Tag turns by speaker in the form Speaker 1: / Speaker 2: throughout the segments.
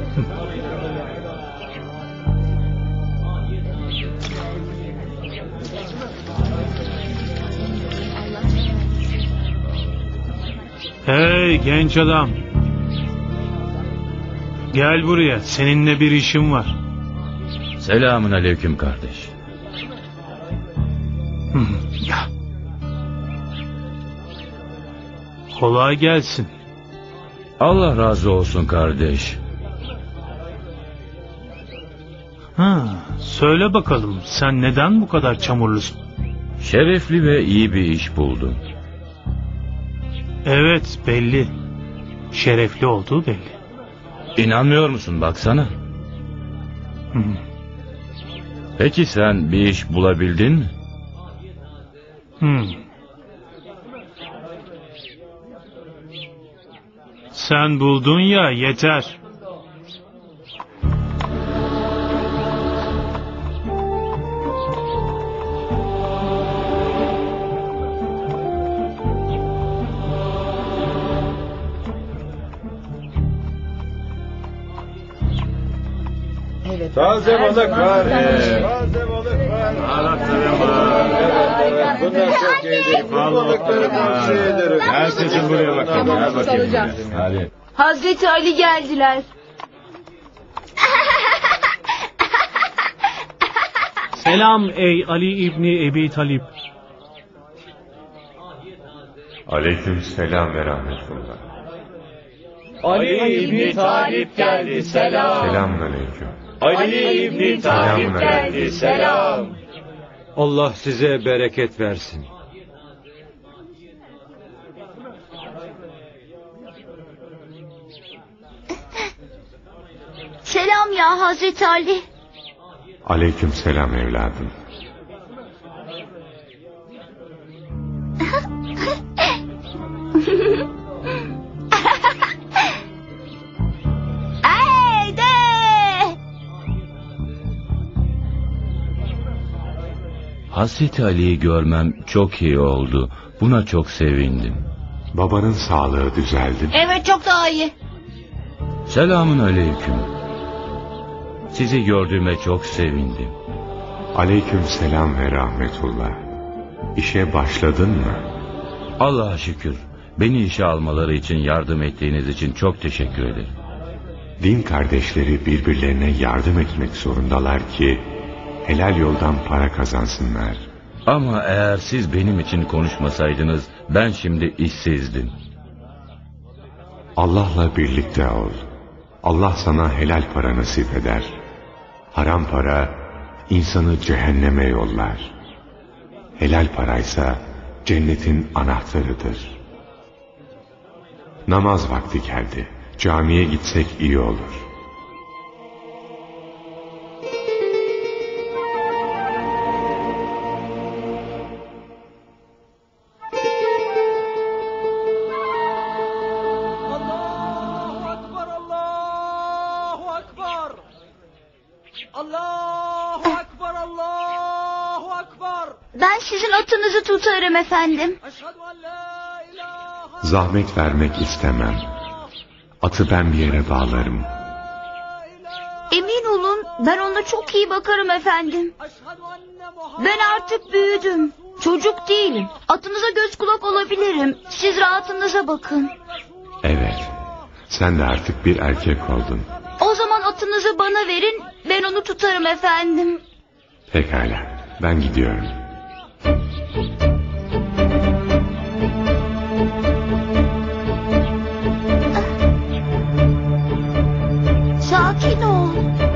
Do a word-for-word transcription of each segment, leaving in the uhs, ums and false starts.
Speaker 1: Hey genç adam. Gel buraya, seninle bir işim var.
Speaker 2: Selamun aleyküm kardeş.
Speaker 1: Kolay gelsin.
Speaker 2: Allah razı olsun kardeş.
Speaker 1: Ha, söyle bakalım, sen neden bu kadar çamurlusun?
Speaker 2: Şerefli ve iyi bir iş buldum.
Speaker 1: Evet, belli. Şerefli olduğu belli.
Speaker 2: İnanmıyor musun, baksana.
Speaker 1: Hı.
Speaker 2: Peki sen bir iş bulabildin mi?
Speaker 1: Hı. Sen buldun ya, yeter.
Speaker 3: Evet.
Speaker 4: Taze balık var. Evet. Taze balık var.
Speaker 1: Balıklarım var.
Speaker 4: Evet, bunlar çok iyidir. Bu balıkları tavsiye ederim.
Speaker 1: Herkesin buraya bakın.
Speaker 3: Gel bakayım buraya.
Speaker 2: Hadi.
Speaker 5: Hazreti Ali geldiler.
Speaker 1: Selam ey Ali İbni Ebi Talip.
Speaker 4: Aleyküm selam ve rahmetullah.
Speaker 3: Ali İbni Talip geldi. Selam.
Speaker 4: Selamun aleyküm.
Speaker 3: Ali İbni Talip geldi. Selam.
Speaker 6: Allah size bereket versin.
Speaker 5: Selam ya Hazreti Ali.
Speaker 4: Aleyküm selam evladım.
Speaker 5: Haydi.
Speaker 2: Hazreti Ali'yi görmem çok iyi oldu. Buna çok sevindim.
Speaker 4: Babanın sağlığı düzeldi mi?
Speaker 5: Evet, çok daha iyi.
Speaker 2: Selamun aleyküm. Sizi gördüğüme çok sevindim.
Speaker 4: Aleyküm selam ve rahmetullah. İşe başladın mı?
Speaker 2: Allah'a şükür. Beni işe almaları için yardım ettiğiniz için çok teşekkür ederim.
Speaker 4: Din kardeşleri birbirlerine yardım etmek zorundalar ki helal yoldan para kazansınlar.
Speaker 2: Ama eğer siz benim için konuşmasaydınız ben şimdi işsizdim.
Speaker 4: Allah'la birlikte ol. Allah sana helal para nasip eder. Haram para insanı cehenneme yollar. Helal paraysa cennetin anahtarıdır. Namaz vakti geldi. Camiye gitsek iyi olur.
Speaker 3: Allahu Ekber, Allahu Ekber. Allahu Ekber, Allahu Ekber.
Speaker 5: Ben sizin atınızı tutarım efendim.
Speaker 3: Eşhedü en la ilahe
Speaker 4: Zahmet vermek istemem. Atı ben bir yere bağlarım.
Speaker 5: Emin olun, ben ona çok iyi bakarım efendim. Ben artık büyüdüm. Çocuk değilim. Atınıza göz kulak olabilirim. Siz rahatınıza bakın.
Speaker 4: Evet, sen de artık bir erkek oldun.
Speaker 5: O zaman atınızı bana verin, ben onu tutarım efendim.
Speaker 4: Pekala, ben gidiyorum.
Speaker 5: Sakin ol.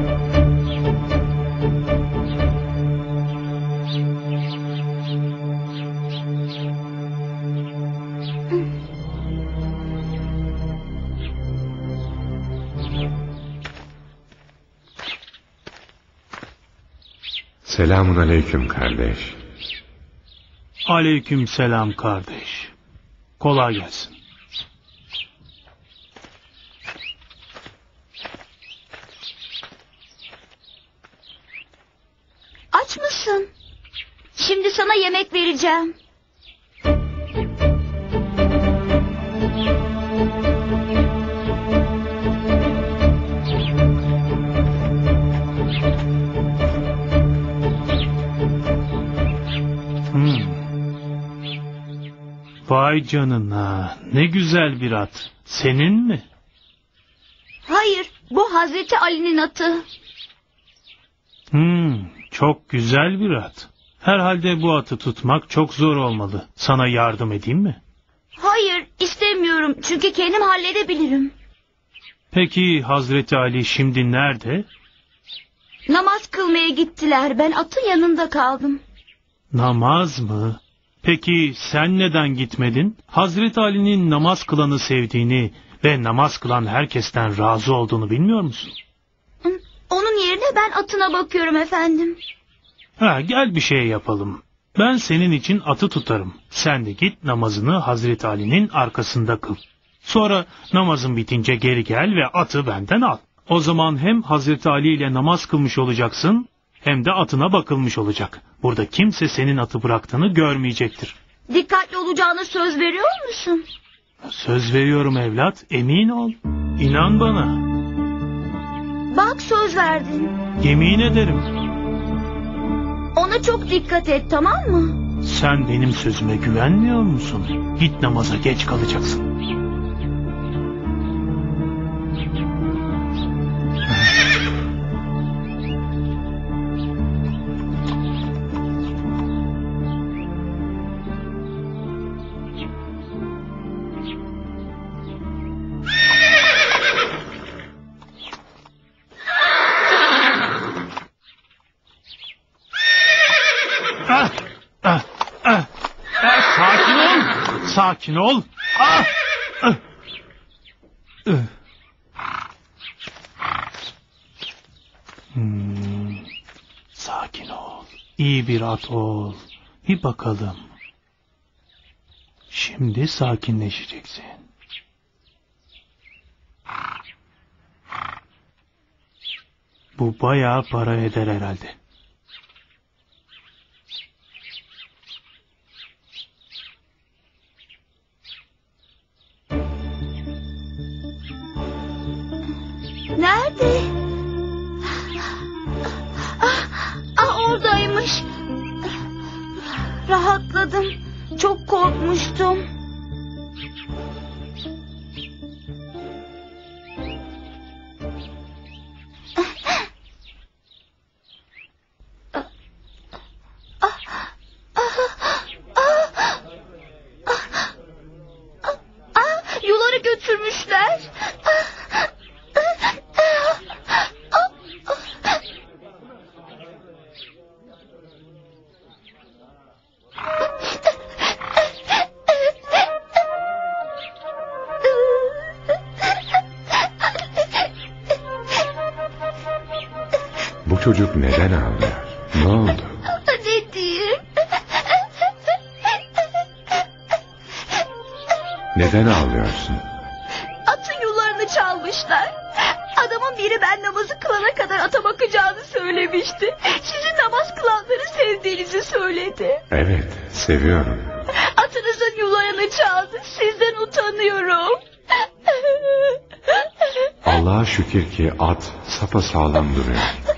Speaker 4: Selamun aleyküm kardeş.
Speaker 1: Aleyküm selam kardeş. Kolay gelsin.
Speaker 5: Aç mısın? Şimdi sana yemek vereceğim.
Speaker 1: Vay canına, ne güzel bir at. Senin mi?
Speaker 5: Hayır, bu Hazreti Ali'nin atı.
Speaker 1: Hmm, çok güzel bir at. Herhalde bu atı tutmak çok zor olmalı. Sana yardım edeyim mi?
Speaker 5: Hayır, istemiyorum çünkü kendim halledebilirim.
Speaker 1: Peki Hazreti Ali şimdi nerede?
Speaker 5: Namaz kılmaya gittiler, ben atın yanında kaldım.
Speaker 1: Namaz mı? Peki sen neden gitmedin? Hazreti Ali'nin namaz kılanı sevdiğini ve namaz kılan herkesten razı olduğunu bilmiyor musun?
Speaker 5: Hı, onun yerine ben atına bakıyorum efendim.
Speaker 1: Ha, gel bir şey yapalım. Ben senin için atı tutarım. Sen de git namazını Hazreti Ali'nin arkasında kıl. Sonra namazın bitince geri gel ve atı benden al. O zaman hem Hazreti Ali ile namaz kılmış olacaksın hem de atına bakılmış olacak. Burada kimse senin atı bıraktığını görmeyecektir.
Speaker 5: Dikkatli olacağına söz veriyor musun?
Speaker 1: Söz veriyorum evlat, emin ol. İnan bana.
Speaker 5: Bak söz verdin.
Speaker 1: Yemin ederim.
Speaker 5: Ona çok dikkat et, tamam mı?
Speaker 1: Sen benim sözüme güvenmiyor musun? Git namaza, geç kalacaksın. Ah, ah, ah, ah, sakin ol, sakin ol. Ah, ah, ah. Hmm, sakin ol, iyi bir at ol. Bir bakalım. Şimdi sakinleşeceksin. Bu bayağı para eder herhalde.
Speaker 5: Nerede? Ah, ah oradaymış. Rahatladım. Çok korkmuştum. Ah, yuları götürmüşler.
Speaker 4: Bu çocuk neden ağlıyor? Ne oldu?
Speaker 5: Ne diyeyim?
Speaker 4: Neden ağlıyorsun?
Speaker 5: Atın yularını çalmışlar. Adamın biri ben namazı kılana kadar ata bakacağını söylemişti. Sizin namaz kılanları sevdiğinizi söyledi.
Speaker 4: Evet, seviyorum.
Speaker 5: Atınızın yularını çaldı. Sizden utanıyorum.
Speaker 4: Allah'a şükür ki at sapasağlam duruyor.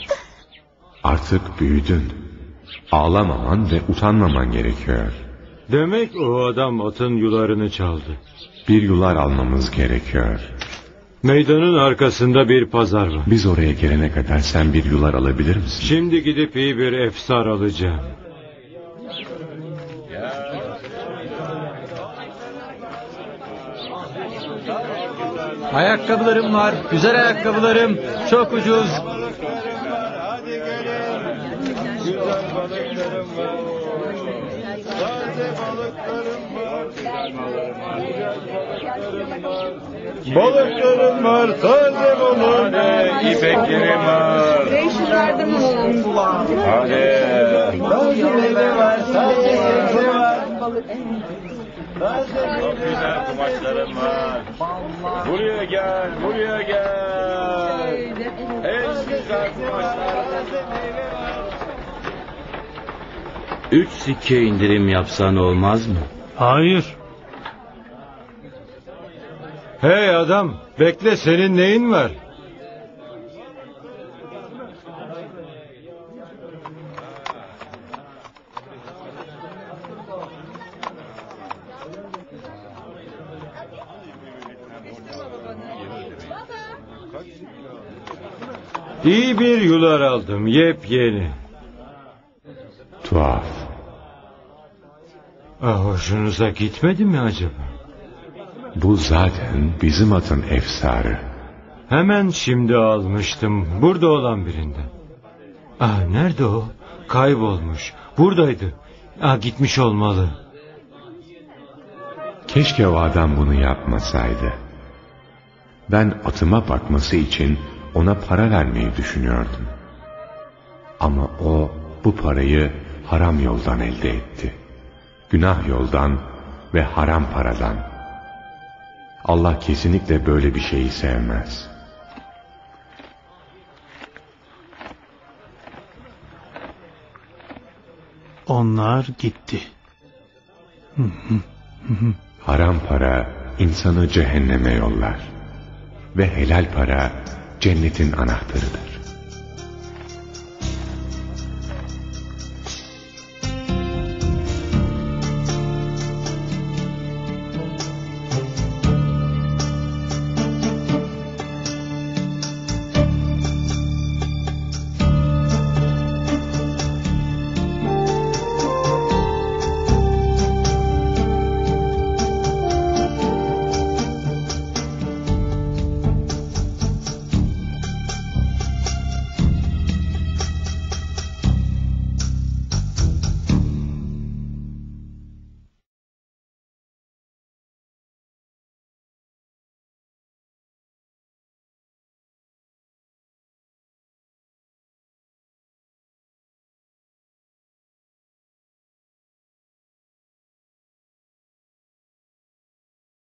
Speaker 4: Artık büyüdün. Ağlamaman ve utanmaman gerekiyor.
Speaker 6: Demek o adam atın yularını çaldı.
Speaker 4: Bir yular almamız gerekiyor.
Speaker 6: Meydanın arkasında bir pazar var.
Speaker 4: Biz oraya gelene kadar sen bir yular alabilir misin?
Speaker 6: Şimdi gidip iyi bir efsar alacağım.
Speaker 7: Ayakkabılarım var. Güzel ayakkabılarım. Çok ucuz.
Speaker 3: Balıklarım var, taze balık. Hadi, ipeklerim var. Hadi. Taze meyve var, taze sebze var. Çok güzel kumaşlarım var. Buraya gel, buraya gel. En güzel kumaşlar.
Speaker 2: Üç sikke indirim yapsan olmaz mı?
Speaker 1: Hayır.
Speaker 6: Hey adam, bekle, senin neyin var? İyi bir yular aldım, yepyeni.
Speaker 4: Tuhaf.
Speaker 6: Ah, hoşunuza gitmedi mi acaba?
Speaker 4: Bu zaten bizim atın efsarı.
Speaker 6: Hemen şimdi almıştım, burada olan birinden. Ah, nerede o? Kaybolmuş. Buradaydı. Ah, gitmiş olmalı.
Speaker 4: Keşke o adam bunu yapmasaydı. Ben atıma bakması için ona para vermeyi düşünüyordum. Ama o bu parayı haram yoldan elde etti. Günah yoldan ve haram paradan. Allah kesinlikle böyle bir şeyi sevmez.
Speaker 1: Onlar gitti.
Speaker 4: Haram para insanı cehenneme yollar. Ve helal para cennetin anahtarıdır.